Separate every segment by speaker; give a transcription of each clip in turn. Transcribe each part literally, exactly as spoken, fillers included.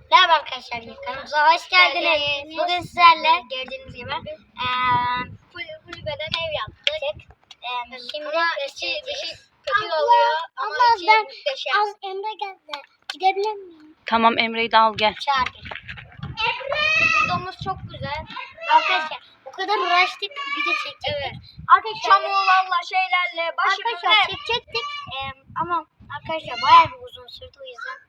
Speaker 1: Merhaba arkadaşlar, kanalımıza hoş geldiniz. Bugün sizlerle gördüğünüz gibi eee kulübeden ev yaptık. Eee şimdi dışı, dışı kötü oluyor ama içi
Speaker 2: ben
Speaker 1: muhteşem.
Speaker 2: az Emre geldi. Gidebilir miyim?
Speaker 3: Tamam, Emre'yi de al gel.
Speaker 1: Çağırdık. Emre! Videomuz çok güzel. Arkadaşlar o kadar uğraştık, video çekecektik. Evet. Arkadaşlar çamurlarla şeylerle başımıza arkadaşlar çekecektik. Eee ama arkadaşlar bayağı bir uzun sürdü, o yüzden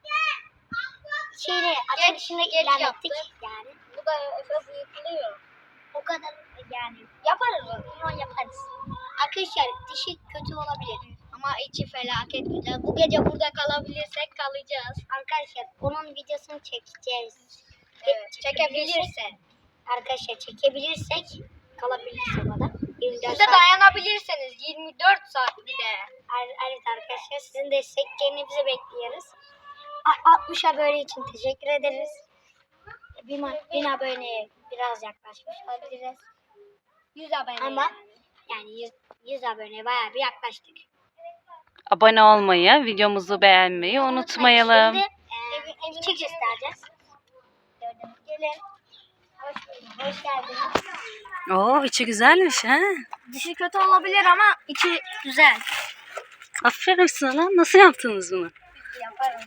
Speaker 1: şeyle açık içinde ilerlettik yani. Bu da Efe bıyıklıyor. O kadar yani yaparız onu yaparız. Arkadaşlar dişi kötü olabilir ama içi felaket güzel. Bu gece burada kalabilirsek kalacağız. Arkadaşlar onun videosunu çekeceğiz. Evet, çekebilirse. Arkadaşlar çekebilirsek kalabiliriz orada. Siz de dayanabilirseniz yirmi dört saat bir de. Evet arkadaşlar, sizin desteklerinizi bekliyoruz. altmış abone için teşekkür ederiz. bin aboneye biraz yaklaşmış olabiliriz. yüz abone ama yani yüz, yüz aboneye bayağı bir yaklaştık.
Speaker 3: Abone olmayı, videomuzu beğenmeyi unutmayalım.
Speaker 1: Şimdi e, evini göstereceğiz. Gördüğünüz gelin. Hoş, hoş geldiniz.
Speaker 3: Oo, içi güzelmiş ha.
Speaker 1: Dışı kötü olabilir ama içi güzel.
Speaker 3: Aferin sana. Nasıl yaptınız bunu?
Speaker 1: Yaparım.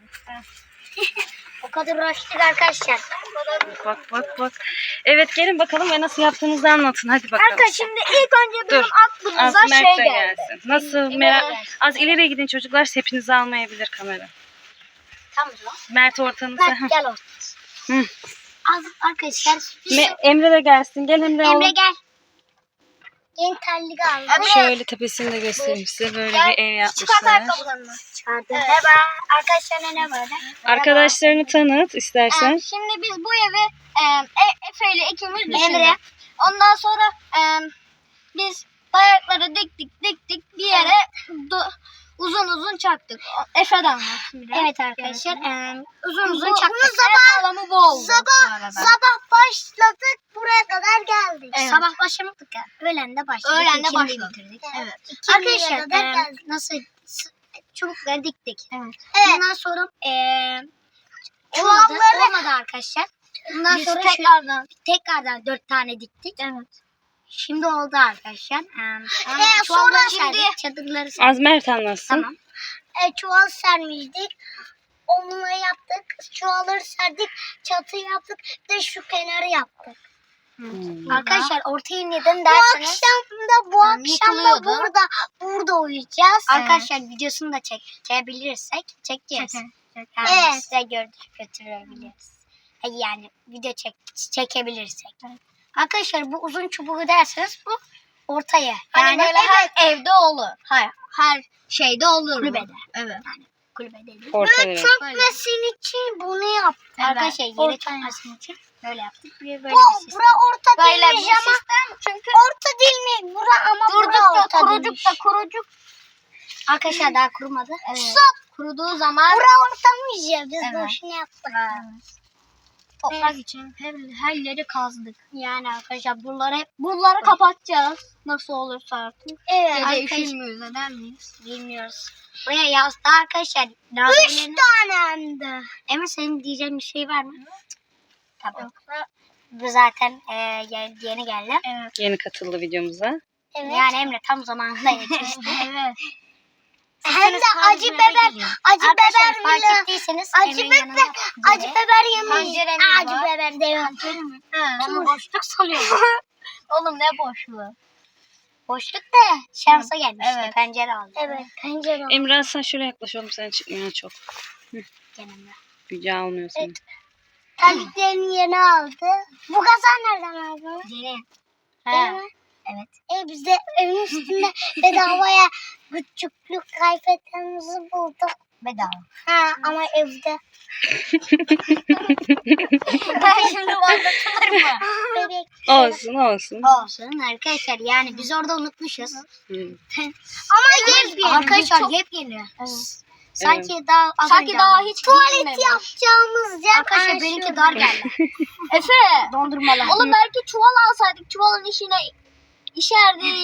Speaker 1: O kadar uğraştık arkadaşlar.
Speaker 3: Bak bak bak. Evet, gelin bakalım ve nasıl yaptığınızı anlatın. Hadi bakalım.
Speaker 1: Arkadaşlar şimdi ilk önce benim
Speaker 3: Dur.
Speaker 1: aklımıza
Speaker 3: Az Mert
Speaker 1: şey
Speaker 3: de
Speaker 1: geldi.
Speaker 3: gelsin. Nasıl
Speaker 1: İleri
Speaker 3: merak...
Speaker 1: gelsin.
Speaker 3: Az ileriye gidin çocuklar. Hepinizi almayabilir kamera.
Speaker 1: Tamam mı?
Speaker 3: Mert ortanıza.
Speaker 1: Mert gel ortaya.
Speaker 3: Hı.
Speaker 1: Az arkadaşlar.
Speaker 3: Me- Emre de gelsin. Gel Emre.
Speaker 1: Emre
Speaker 3: oğlum.
Speaker 1: gel. Yeni terlik aldım. Evet.
Speaker 3: Şöyle tepesini de göstereyim size. Böyle
Speaker 1: Gel.
Speaker 3: bir ev
Speaker 1: Çıkart
Speaker 3: yapmışlar.
Speaker 1: ayakkabılarını. Çıkardım. Evet. Merhaba. Arkadaşlar ne böyle?
Speaker 3: Arkadaşlarını tanıt istersen.
Speaker 1: Ee, şimdi biz bu evi e, e, Efe ile ikimiz düşündük. Ondan sonra e, biz bayrakları diktik diktik bir yere do- uzun uzun çaktık. Efe'den anlatsın biraz. Evet arkadaşlar. E, uzun uzun çaktık. Sabah, alanı bu oldu.
Speaker 2: Sabah, sabah başladık, buraya kadar geldik.
Speaker 1: Evet.
Speaker 2: Sabah başlamadık ya. Öğlen de başladık.
Speaker 1: Öğlen de
Speaker 2: ikindi
Speaker 1: başladık.
Speaker 2: bitirdik.
Speaker 1: Evet.
Speaker 2: Arkadaşlar
Speaker 1: Arkadaşlar
Speaker 2: e,
Speaker 1: e,
Speaker 2: nasıl s- çubukları diktik.
Speaker 1: evet.
Speaker 2: Ondan sonra e,
Speaker 1: Çuvalları
Speaker 2: çuvalları olmadı arkadaşlar. Ondan
Speaker 1: Biz
Speaker 2: sonra
Speaker 1: tekrardan
Speaker 2: şu, tekrardan dört tane diktik.
Speaker 1: evet.
Speaker 2: Şimdi oldu arkadaşlar. E,
Speaker 1: Ee,
Speaker 2: çuvalları
Speaker 1: sonra şimdi-
Speaker 2: serdik, çadırları serdik.
Speaker 3: Az Mert anlatsın.
Speaker 2: Tamam. E, çuval sermiştik. Onunla yaptık. Çuvalları serdik. Çatı yaptık. Bir de şu kenarı yaptık.
Speaker 3: Hmm.
Speaker 2: Arkadaşlar ortaya neden derseniz. Bu akşam da bu
Speaker 1: Yani
Speaker 2: akşam da
Speaker 1: yıkılıyordu.
Speaker 2: burada burada uyuyacağız.
Speaker 1: Evet.
Speaker 2: Arkadaşlar videosunu da çek, çekebilirsek çekeceğiz.
Speaker 1: Çekelim,
Speaker 2: Yani
Speaker 1: Evet.
Speaker 2: size gördük götürebiliriz. Yani video çek, çekebilirsek. Arkadaşlar bu uzun çubuğu derseniz bu ortaya.
Speaker 1: Hani
Speaker 2: Yani
Speaker 1: böyle her evde olur.
Speaker 2: hayır,
Speaker 1: Her şeyde olur.
Speaker 2: kulübede.
Speaker 1: Evet.
Speaker 2: Kulübede değil.
Speaker 3: Ortaya.
Speaker 2: Çökmesin için bunu yaptık.
Speaker 1: Evet.
Speaker 2: Arkadaşlar yere
Speaker 1: Ortaya.
Speaker 2: çökmesin için böyle yaptık. Bir böyle
Speaker 1: Bu,
Speaker 2: bir sistem.
Speaker 1: bura orta
Speaker 2: Böyle
Speaker 1: değilmiş
Speaker 2: bir
Speaker 1: ama
Speaker 2: sistem.
Speaker 1: çünkü
Speaker 2: Orta değil mi? Bura ama
Speaker 1: durduk
Speaker 2: bura
Speaker 1: da
Speaker 2: orta
Speaker 1: kurucuk
Speaker 2: değilmiş.
Speaker 1: da kurucuk.
Speaker 2: Arkadaşlar daha kurumadı.
Speaker 1: Evet. Kuruduğu zaman
Speaker 2: Bura ortamış ya. Biz
Speaker 1: Evet.
Speaker 2: boşuna yaptık.
Speaker 1: toprak için her, her yeri kazdık.
Speaker 2: Yani arkadaşlar buraları hep
Speaker 1: Bunları kapatacağız. Nasıl olursa artık.
Speaker 2: evet,
Speaker 1: Gece
Speaker 2: arkadaşlar,
Speaker 1: üşümüyoruz eder miyiz?
Speaker 2: bilmiyoruz. Buraya yazdı arkadaşlar. Üç tane hem de. Emre senin diyeceğin bir şey var mı? Tabii.
Speaker 1: Yoksa
Speaker 2: Bu zaten e, yeni yeni geldi.
Speaker 1: evet.
Speaker 3: Yeni katıldı videomuza.
Speaker 2: Evet. Yani Emre tam zamanında yetişti.
Speaker 1: evet.
Speaker 2: Hem de acı biber, acı
Speaker 1: Arkadaşlar,
Speaker 2: biber
Speaker 1: fark
Speaker 2: bile.
Speaker 1: ettiyseniz
Speaker 2: Acı
Speaker 1: Emre'nin
Speaker 2: biber,
Speaker 1: yanında
Speaker 2: acı biber yemeyiz.
Speaker 1: Panceremiz
Speaker 2: Acı
Speaker 1: var.
Speaker 2: biber değil.
Speaker 1: Onu boşluk sanıyorum. Oğlum ne boşluğu?
Speaker 2: Boşluk da şansa gelmişti.
Speaker 1: Evet.
Speaker 2: Pencere aldı. Evet, pencere aldı.
Speaker 3: Emre sen şöyle yaklaş oğlum, sen çıkmıyor çok.
Speaker 2: Genelde.
Speaker 3: Gücü almıyor seni.
Speaker 2: Evet. Terliklerini yeni aldı. Bu kazan nereden aldın?
Speaker 1: Yeni.
Speaker 2: Değil mi? Evet. E biz de evin üstünde bedavaya küçüklük kıyafetlerimizi bulduk.
Speaker 1: Bedava.
Speaker 2: Ha ama evde.
Speaker 1: Ben şimdi anlatılır mı?
Speaker 2: Bebek.
Speaker 3: Olsun olsun.
Speaker 2: Olsun arkadaşlar, yani biz orada unutmuşuz.
Speaker 3: Hı.
Speaker 2: Ama yepyeni. Arkadaşlar
Speaker 1: Çok-
Speaker 2: yepyeni.
Speaker 1: Evet.
Speaker 2: Sanki daha az
Speaker 1: Sanki
Speaker 2: önce
Speaker 1: daha
Speaker 2: aldık.
Speaker 1: hiç
Speaker 2: tuvalet
Speaker 1: gidilmemiş.
Speaker 2: yapacağımız yer. Arkadaşlar
Speaker 1: Ay,
Speaker 2: benimki
Speaker 1: şurada.
Speaker 2: dar geldi.
Speaker 1: Efe.
Speaker 2: Dondurmalar.
Speaker 1: Oğlum belki çuval alsaydık çuvalın içine İşerdik.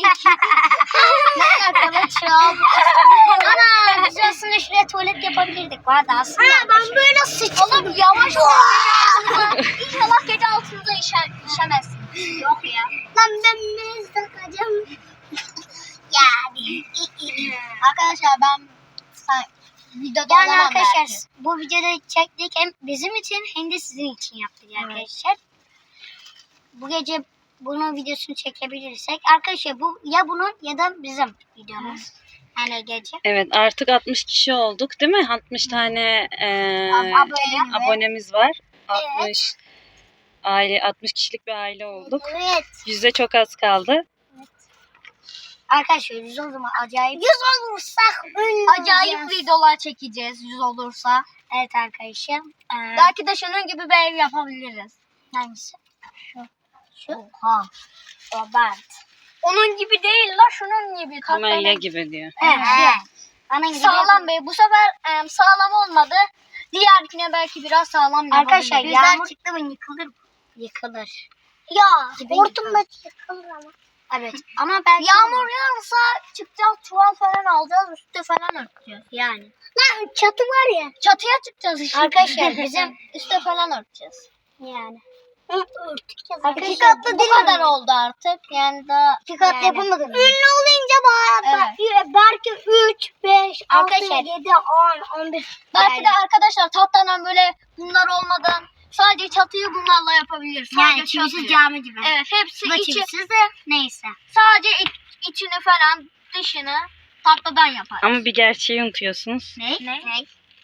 Speaker 2: Ne arkadaşım? Ana biz aslında şuraya tuvalet yapabilirdik. Vardı aslında.
Speaker 1: Ha, ben böyle sıçtım. Oğlum yavaş ol. İnşallah gece altınıza işer, işemezsiniz. Yok ya.
Speaker 2: Lan ben ne sakacağım? Yani.
Speaker 1: Arkadaşlar ben videoda
Speaker 2: Yani
Speaker 1: olamam
Speaker 2: arkadaşlar
Speaker 1: belki.
Speaker 2: bu videoda çektik hem bizim için hem de sizin için yaptık arkadaşlar. Bu gece bunun videosunu çekebilirsek arkadaşlar bu ya bunun ya da bizim videomuz. Yani gece.
Speaker 3: Evet artık altmış kişi olduk değil mi? altmış tane e,
Speaker 2: Abone.
Speaker 3: abonemiz var. altmış aile altmış kişilik bir aile olduk.
Speaker 2: Evet.
Speaker 3: Yüzde çok az kaldı.
Speaker 2: Arkadaşlar yüz o zaman acayip.
Speaker 1: Yüz olursak acayip videolar çekeceğiz yüz olursa.
Speaker 2: Evet arkadaşlar. Ee,
Speaker 1: Belki de şunun gibi bir ev yapabiliriz.
Speaker 2: hangisi? Şu. Şu.
Speaker 1: Oha.
Speaker 2: Robert.
Speaker 1: Onun gibi değil la şunun gibi.
Speaker 3: Kamelya gibi diyor.
Speaker 2: Evet.
Speaker 1: Evet.
Speaker 2: Ana gibi.
Speaker 1: Sağlam be. Bu sefer e, sağlam olmadı. Diğerkine belki biraz sağlam yapabiliriz.
Speaker 2: Arkadaşlar
Speaker 1: Bizler
Speaker 2: yağmur çıktı mı yıkılır mı? Yıkılır.
Speaker 1: Ya
Speaker 2: Gibi
Speaker 1: hortumda yıkılır ama.
Speaker 2: Evet. Ama belki
Speaker 1: Yağmur yağarsa çıkacağız çuval falan alacağız üstü falan örteceğiz.
Speaker 2: yani.
Speaker 1: Lan çatı var ya. Çatıya çıkacağız işte.
Speaker 2: Arkadaşlar bizim
Speaker 1: üstü falan örteceğiz.
Speaker 2: yani.
Speaker 1: Arkadaşlar iki katlı bu kadar oldu artık. Yani daha
Speaker 2: İki katlı
Speaker 1: yani.
Speaker 2: yapamadın mı?
Speaker 1: Ünlü olunca bayağı
Speaker 2: Evet.
Speaker 1: belki üç, beş,
Speaker 2: Arkadaşlar-
Speaker 1: altı, yedi, on, on bir. Belki
Speaker 2: Yani-
Speaker 1: de arkadaşlar tahtadan böyle bunlar olmadan sadece çatıyı bunlarla yapabiliriz.
Speaker 2: Yani
Speaker 1: Sadece
Speaker 2: kimisi
Speaker 1: çatıyı.
Speaker 2: cami gibi.
Speaker 1: Evet hepsi
Speaker 2: Bu da
Speaker 1: içi,
Speaker 2: kimisiz de neyse.
Speaker 1: sadece iç- içini falan dışını tahtadan yapar.
Speaker 3: Ama bir gerçeği unutuyorsunuz.
Speaker 2: Ne?
Speaker 1: Ne?
Speaker 2: Ne?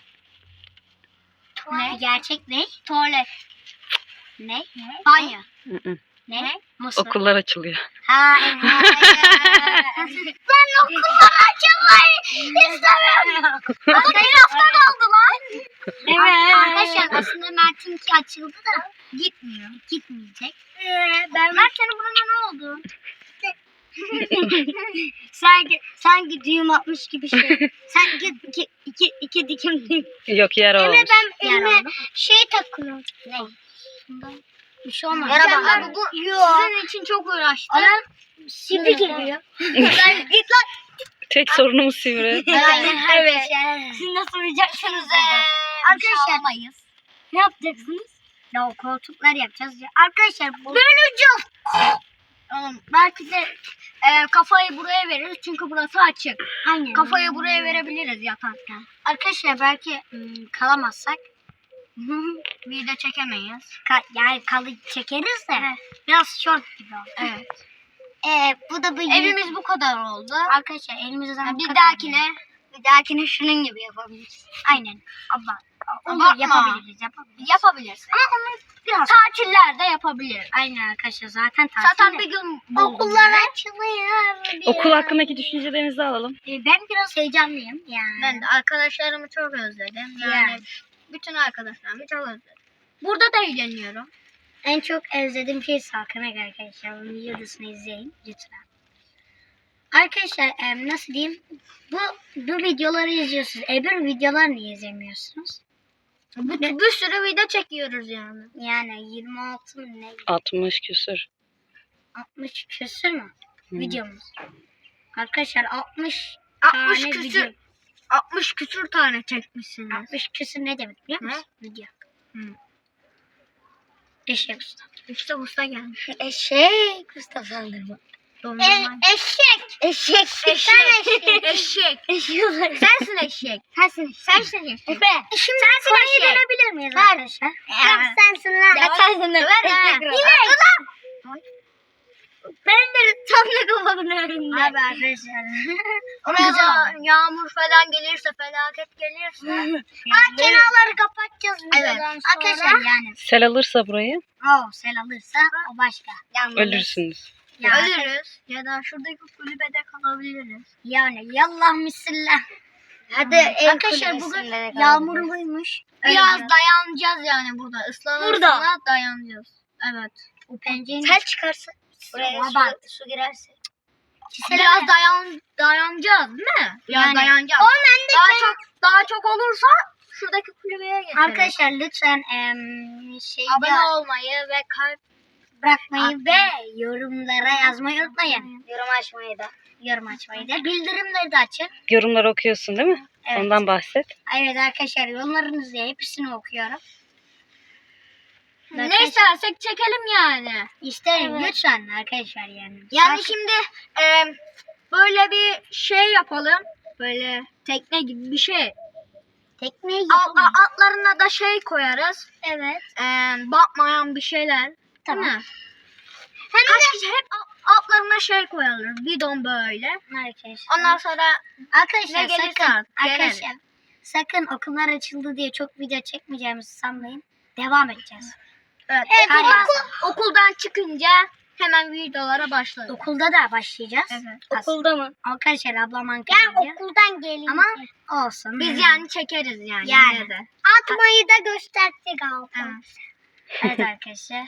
Speaker 1: Ne?
Speaker 2: Gerçek ne?
Speaker 1: Tuvalet.
Speaker 2: Ne?
Speaker 1: Banyo.
Speaker 3: Hı hı.
Speaker 2: Ne? Mısır.
Speaker 3: Okullar açılıyor.
Speaker 2: Ha evet.
Speaker 1: Ben okuldan açılmayı istemiyorum. Ama bir hafta kaldı lan.
Speaker 2: Evet. Arkadaşlar aslında Mert'inki açıldı da gitmiyor. Gitmeyecek.
Speaker 1: Ee, ben Mert senin buruna ne oldu?
Speaker 2: sanki sanki düğüm atmış gibi şey. sanki iki, iki, iki dikim düğüm.
Speaker 3: Yok yara olmuş.
Speaker 1: Ben
Speaker 2: Yara
Speaker 1: elime
Speaker 2: oldu.
Speaker 1: şey takıyorum.
Speaker 2: Ne? Bir şey olmaz.
Speaker 1: Yara
Speaker 2: Sen-
Speaker 1: bak. Abi bu sizin için çok uğraştım.
Speaker 2: Ama
Speaker 1: Sivri geliyor. Ben git lan.
Speaker 3: Tek sorunumuz sivri.
Speaker 2: Aynen
Speaker 1: Evet.
Speaker 2: arkadaşlar.
Speaker 1: Siz nasıl uyuyacaksınız?
Speaker 2: Arkadaşlar-
Speaker 1: Arkadaşlar.
Speaker 2: Ne yapacaksınız? Ya o koltuklar yapacağız. ya. Arkadaşlar bu
Speaker 1: Böleceğiz. Oğlum, belki de e, kafayı buraya veririz çünkü burası açık.
Speaker 2: aynen.
Speaker 1: Kafayı buraya verebiliriz yatarken.
Speaker 2: Arkadaşlar belki ım, kalamazsak
Speaker 1: Video çekemeyiz.
Speaker 2: ka- yani kalı çekeriz de biraz short gibi oldu.
Speaker 1: Evet.
Speaker 2: Ee, bu da bu
Speaker 1: Evimiz bu kadar oldu.
Speaker 2: arkadaşlar elimizde zaman
Speaker 1: Bir dahakine
Speaker 2: bir dahakine şunun gibi yapabiliriz. Aynen. Abba. Olur
Speaker 1: Abartma.
Speaker 2: yapabiliriz, yapabiliriz.
Speaker 1: yapabiliriz. Ama onu
Speaker 2: Biraz.
Speaker 1: tatillerde yapabiliriz.
Speaker 2: Aynen arkadaşlar zaten tatil.
Speaker 1: Zaten
Speaker 2: de.
Speaker 1: bir gün buldum.
Speaker 2: açılıyor.
Speaker 3: Okul hakkındaki düşüncelerinizi alalım.
Speaker 2: Ee, ben biraz heyecanlıyım yani.
Speaker 1: Ben de arkadaşlarımı çok özledim. Yani
Speaker 2: Yani.
Speaker 1: bütün arkadaşlarımı çok özledim. Burada da eğleniyorum.
Speaker 2: En çok özlediğim şey Salkınak arkadaşlar. Onun videosunu izleyin lütfen. Arkadaşlar em, nasıl diyeyim? Bu bu videoları izliyorsunuz. Öbür videolar niye izlemiyorsunuz?
Speaker 1: Bir, bir sürü video çekiyoruz yani.
Speaker 2: Yani yirmi altı mı ne?
Speaker 3: altmış küsür.
Speaker 2: altmış küsür mü?
Speaker 3: Hmm.
Speaker 2: Videomuz. Arkadaşlar altmış
Speaker 1: altmış
Speaker 2: tane
Speaker 1: küsür.
Speaker 2: video.
Speaker 1: altmış küsür tane çekmişsiniz.
Speaker 2: altmış küsür ne demek biliyor musun? Video.
Speaker 1: Hı.
Speaker 2: Eşek usta.
Speaker 1: İşte usta gelmiş.
Speaker 2: Eşek usta sandırma.
Speaker 1: Dondurma.
Speaker 2: eşek. Eşek.
Speaker 1: Eşek. Eşek.
Speaker 2: Eşek.
Speaker 1: Sensin eşek.
Speaker 2: Sensin.
Speaker 1: Sensin eşek.
Speaker 2: Efe. Şimdi
Speaker 1: Sensin
Speaker 2: konuyu
Speaker 1: eşek.
Speaker 2: dönebilir miyiz
Speaker 1: Ver.
Speaker 2: arkadaşlar?
Speaker 1: Ya.
Speaker 2: sensin lan.
Speaker 1: Ya sensin de ver ha.
Speaker 2: Yine.
Speaker 1: Ben de tam da kafamın önünde.
Speaker 2: Abi arkadaşlar.
Speaker 1: Oraya yağmur falan gelirse, felaket gelirse.
Speaker 2: Ha, kenarları kapatacağız
Speaker 1: Evet.
Speaker 2: videodan sonra. Arkadaşlar yani.
Speaker 3: Sel alırsa burayı
Speaker 2: Oh, sel alırsa o başka. Yalnız.
Speaker 3: ölürsünüz.
Speaker 2: Ya,
Speaker 1: Ölürüz ya da şuradaki kulübede kalabiliriz.
Speaker 2: Yani yallah misillah.
Speaker 1: Hadi
Speaker 2: Hmm. Arkadaşlar bugün yağmurluymuş.
Speaker 1: Biraz dayanacağız yani burada. Islanırsa
Speaker 2: Burada.
Speaker 1: dayanacağız. Evet.
Speaker 2: O pencerenin
Speaker 1: Sel çıkarsa
Speaker 2: buraya
Speaker 1: Baba.
Speaker 2: su, su girerse.
Speaker 1: biraz dayan dayanacağız değil mi? Biraz
Speaker 2: Yani.
Speaker 1: dayanacağız. Daha çok daha çok olursa şuradaki kulübeye geçeriz.
Speaker 2: Arkadaşlar lütfen em, şey
Speaker 1: abone olmayı ve kalp
Speaker 2: bırakmayı ve yorumlara yazmayı unutmayın. Yorum açmayı da. Yorum açmayı da. Bildirimleri de açın.
Speaker 3: Yorumları okuyorsun değil mi?
Speaker 2: Evet.
Speaker 3: Ondan bahset.
Speaker 2: Evet arkadaşlar yorumlarınızı hepsini okuyorum.
Speaker 1: Ne istersek çekelim yani.
Speaker 2: İsterim
Speaker 1: Evet.
Speaker 2: lütfen arkadaşlar yani.
Speaker 1: Yani
Speaker 2: Sakın-
Speaker 1: şimdi e, böyle bir şey yapalım. Böyle tekne gibi bir şey.
Speaker 2: tekneyi
Speaker 1: Al,
Speaker 2: yapalım.
Speaker 1: a- altlarına da şey koyarız.
Speaker 2: Evet.
Speaker 1: E, batmayan bir şeyler.
Speaker 2: Tamam.
Speaker 1: Değil mi? Kaç kişi hep a- altlarına şey koyalım. Bidon böyle.
Speaker 2: Arkadaşlar.
Speaker 1: Ondan sonra
Speaker 2: Arkadaşlar
Speaker 1: ne gelirse
Speaker 2: sakın
Speaker 1: artık,
Speaker 2: arkadaşlar
Speaker 1: geliriz.
Speaker 2: sakın okullar açıldı diye çok video çekmeyeceğimizi sanmayın. Devam edeceğiz.
Speaker 1: evet,
Speaker 2: Evet,
Speaker 1: okuldan,
Speaker 2: okul-
Speaker 1: okuldan çıkınca hemen videolara başlarız.
Speaker 2: Okulda da başlayacağız.
Speaker 1: Evet.
Speaker 2: Okulda mı? Arkadaşlar ablam Ankara'da.
Speaker 1: okuldan gelin.
Speaker 2: Ama olsun.
Speaker 1: Biz yani çekeriz yani.
Speaker 2: Yani.
Speaker 1: yine de.
Speaker 2: atmayı da gösterdik ablam.
Speaker 1: Evet.
Speaker 2: Evet arkadaşlar.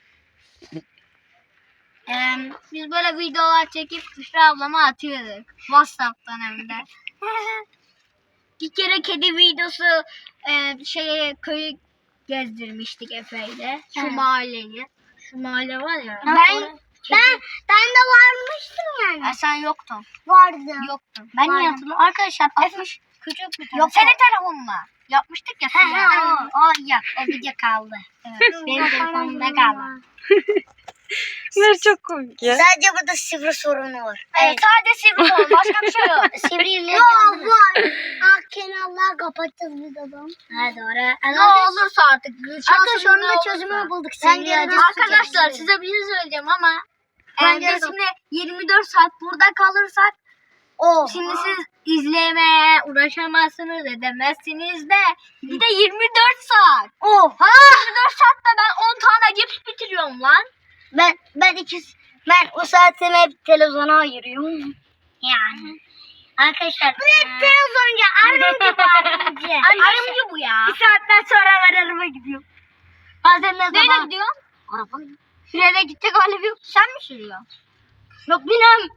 Speaker 1: Ee, biz böyle videolar çekip Büşra ablama atıyorduk. WhatsApp'tan hem de. Bir kere kedi videosu e, şeye köyü gezdirmiştik Efe'yle. Şu
Speaker 2: Evet.
Speaker 1: mahalleyi. Şu mahalle var ya.
Speaker 2: Ben ben ben de varmıştım yani.
Speaker 1: Ha, sen yoktun.
Speaker 2: Vardı.
Speaker 1: Yoktun.
Speaker 2: Ben niye
Speaker 1: Vardı.
Speaker 2: hatırlıyorum? Arkadaşlar altmış
Speaker 1: Küçük bir
Speaker 2: Yok,
Speaker 1: tane. Senin telefonla. Yapmıştık ya.
Speaker 2: He
Speaker 1: size.
Speaker 2: he o, o yok. O video kaldı. Evet. Benim telefonumda kaldı.
Speaker 3: Bunlar çok komik ya.
Speaker 2: Sadece burada sivri sorunu var.
Speaker 1: Evet, sadece sivri kol. Başka bir şey yok.
Speaker 2: Sivriyle canlı. var. Ah kenarlar kapatacağız biz adam. Ha doğru.
Speaker 1: Ne olursa artık.
Speaker 2: Arkadaşlar onun
Speaker 1: ne
Speaker 2: da
Speaker 1: olursa.
Speaker 2: çözümünü bulduk.
Speaker 1: Ben
Speaker 2: Sivriyle
Speaker 1: yarın-
Speaker 2: nasıl
Speaker 1: Arkadaşlar
Speaker 2: çözeceğiz?
Speaker 1: size bir şey söyleyeceğim ama
Speaker 2: Ben
Speaker 1: e,
Speaker 2: yarın-
Speaker 1: biz şimdi yirmi dört saat burada kalırsak
Speaker 2: Oh.
Speaker 1: şimdi siz izlemeye uğraşamazsınız edemezsiniz de bir de yirmi dört saat.
Speaker 2: Oh.
Speaker 1: Ha yirmi dört saatte ben on tane cips bitiriyorum lan.
Speaker 2: Ben ben iki ben o saatimi hep televizyona ayırıyorum. Yani. Arkadaşlar. Bu hep televizyoncu. Arımcı bu arımcı.
Speaker 1: Arımcı bu ya.
Speaker 2: Bir saatten sonra ben araba gidiyorum. Bazen ne
Speaker 1: Neyle
Speaker 2: zaman?
Speaker 1: gidiyorsun?
Speaker 2: Araba.
Speaker 1: Frene gidecek hali yok. Sen mi sürüyorsun?
Speaker 2: Yok bilmem.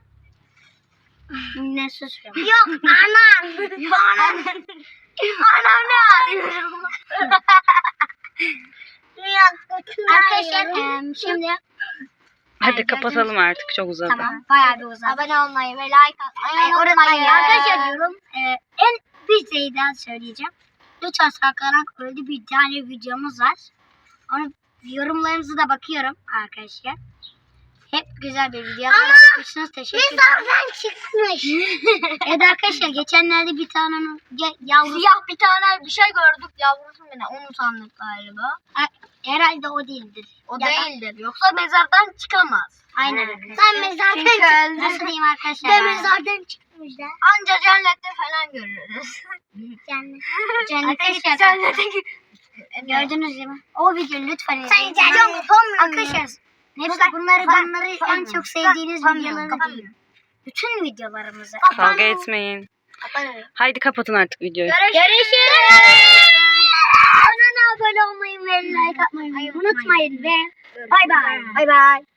Speaker 2: Ne susuyorum? Yok anam. Anam.
Speaker 1: Anam ne arıyorum?
Speaker 2: Arkadaşlar em, şimdi
Speaker 3: Hadi kapatalım artık, çok uzadı.
Speaker 2: tamam bayağı bir uzadı.
Speaker 1: Abone olmayı ve like atmayı
Speaker 2: Ay,
Speaker 1: unutmayın.
Speaker 2: unutmayın. Arkadaşlar diyorum e, en bir şey daha söyleyeceğim. Lütfen saklanarak öyle bir tane videomuz var. Onu yorumlarınızı da bakıyorum arkadaşlar. Hep güzel bir video. Ama teşekkür ederim. çıkmış. Evet arkadaşlar geçenlerde bir tane ge- yavru
Speaker 1: Siyah bir tane bir şey gördük yavrusu mu ne? Onu sandık galiba.
Speaker 2: herhalde o değildir.
Speaker 1: O
Speaker 2: Ya da-
Speaker 1: değildir. Yoksa mezardan çıkamaz.
Speaker 2: Aynen.
Speaker 1: Sen mezardan
Speaker 2: Çünkü
Speaker 1: çıktın.
Speaker 2: nasıl diyeyim arkadaşlar?
Speaker 1: Ben
Speaker 2: mezardan çıkmış da.
Speaker 1: Anca cennette falan görürüz.
Speaker 2: Cennet. Cennete
Speaker 1: Arkadaşlar
Speaker 2: çıkacak.
Speaker 1: cennete
Speaker 2: Gördünüz değil mi? O videoyu lütfen izleyin.
Speaker 1: Sen cacım,
Speaker 2: Arkadaşlar hepsi bunları bunları en çok sevdiğiniz videoları değil. Bütün videolarımızı.
Speaker 3: Kavga etmeyin. Haydi kapatın artık videoyu.
Speaker 2: Görüşürüz. Kanala abone olmayı ve like atmayı unutmayın ve bay bay.
Speaker 1: Bay bay.